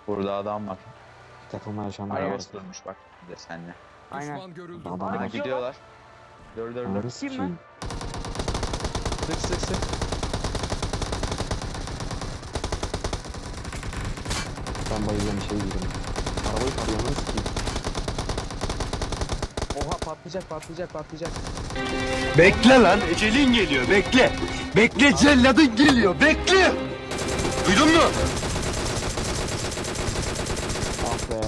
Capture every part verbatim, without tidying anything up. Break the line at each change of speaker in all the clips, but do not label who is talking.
Burada adam var.
Takılma yaşamlar var.
Arabası durmuş bak bir de seninle.
Aynen.
Düşman görüldü.
Adam
Aa,
var.
gidiyorlar. Dur dur dur.
Ananı sikeyim.
Sık sık sık.
Ben bayılıyorum şey gidiyorum. Arabayı parayı sikeyim.
Oha patlayacak patlayacak patlayacak.
Bekle lan, ecelin geliyor, bekle. Bekle, celladın geliyor, bekle. Duydun mu?
Ah be.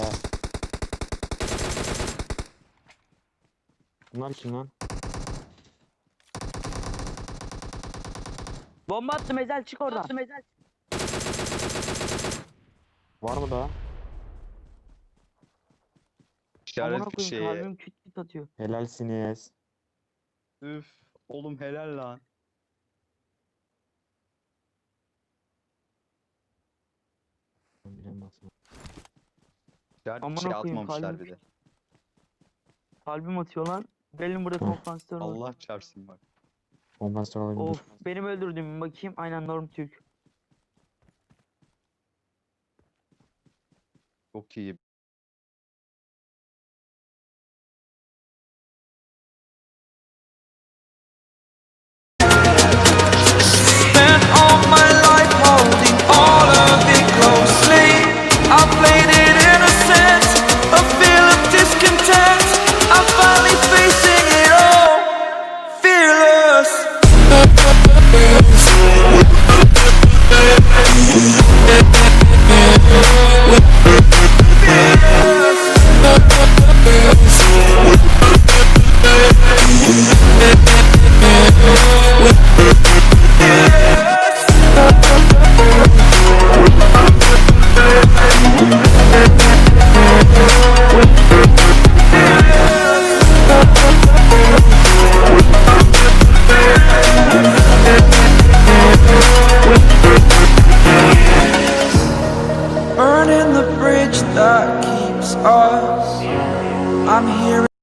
Bunlar kim lan?
Bomba attım Ezel, çık oradan. Attım Ezel.
Var mı daha?
Amına
İşaret bir
koyayım,
şey.
kalbim küt küt atıyor.
Helalsiniz.
Üf. Oğlum helal lan.
Bilemezsin.
İşaret bir
Amına
şey
koyayım,
atmamışlar
kalbim
bir de.
Kalbim atıyor lan. Gelin burada
Hı.
konfansiyonu.
Allah çarpsın bak.
Ondan sonra olabilir.
Of, benim öldürdüğüm bakayım. Aynen Norm Türk.
Çok iyi.
Spent all my life holding all of it closely. I played it innocent, a feel of discontent. I'm finally facing it all, fearless. Burning the bridge that keeps us. I'm here.